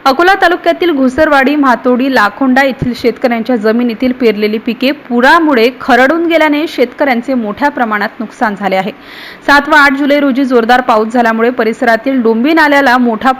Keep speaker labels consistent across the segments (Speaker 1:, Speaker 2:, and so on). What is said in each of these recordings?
Speaker 1: अकोला तालुक्यातील घुसरवाडी, म्हातोडी, लाखोंडा येथील शेतकऱ्यांच्या जमिनीतील पेरलेली पिके पुरामुळे खरडून गेल्याने शेतकऱ्यांचे मोठ्या प्रमाणात नुकसान झाले आहे। 7 व 8 जुलै रोजी जोरदार पाऊस झाल्यामुळे परिसरातील डोंबी नाल्याला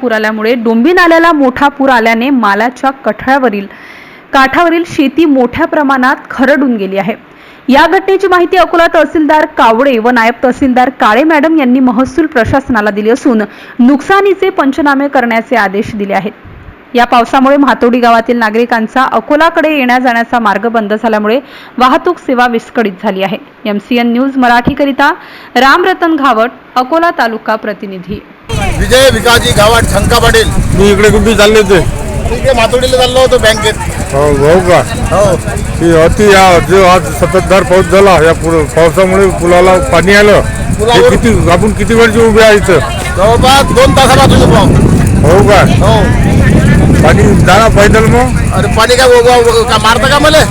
Speaker 1: मोठा पूर आल्याने मालाच्या काठावरील शेती मोठ्या प्रमाणात खरडून गेली आहे। या घटनेची माहिती अकोला तहसीलदार कावडे व नायब तहसीलदार काळे मॅडम यांनी महसूल प्रशासनाला दिली असून नुकसानीचे पंचनामे करण्याचे आदेश दिले आहेत। या पावसामुळे म्हातोडी गावातील नागरिकांचा अकोलाकडे येण्या जाण्याचा मार्ग बंद झाल्यामुळे वाहतूक सेवा विस्कळीत झाली आहे। MCN न्यूज मराठी करिता रामरतन घावट, अकोला तालुका प्रतिनिधी।
Speaker 2: विजय विकाजी गावात शंका पाटील।
Speaker 3: मी इकडे कुठे चालले होते?
Speaker 2: इकडे मातोडीला चाललो होतो बँकेत।
Speaker 3: हो का?
Speaker 2: हो।
Speaker 3: जो आज सततधार पाऊस झाला, या पावसामुळे पुलाला पाणी आलं। आपण किती वेळचे उभे आहे इथं?
Speaker 2: जवळपास 2 तासापासून उभा आहोत।
Speaker 3: हो का?
Speaker 2: हो।
Speaker 3: पाणी जाणार पैदल मग?
Speaker 2: अरे पाणी काय मारतं का मला?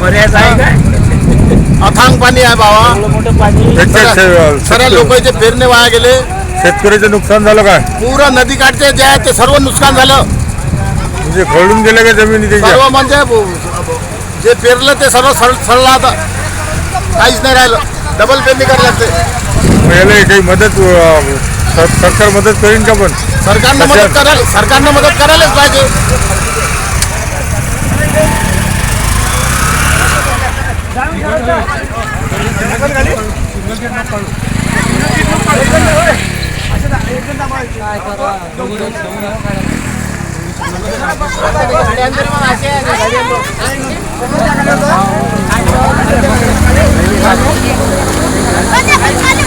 Speaker 2: अथांग पाणी आहे बाबा। सर्व लोकांचे पेरणे वाया गेले।
Speaker 3: शेतकऱ्याचं नुकसान झालं काय?
Speaker 2: पूरा नदी काठचे जे आहे ते सर्व नुकसान झालं।
Speaker 3: म्हणजे खरडून गेले का जमिनी?
Speaker 2: सर्व म्हणजे जे पेरलं ते सर्व सडलं, आता काहीच नाही राहिलं। डबल पेरणी करायला लागते।
Speaker 3: याला काही मदत सरकार मदत करीन का? पण
Speaker 2: सरकारनं मदत करायलाच पाहिजे।
Speaker 4: गाडी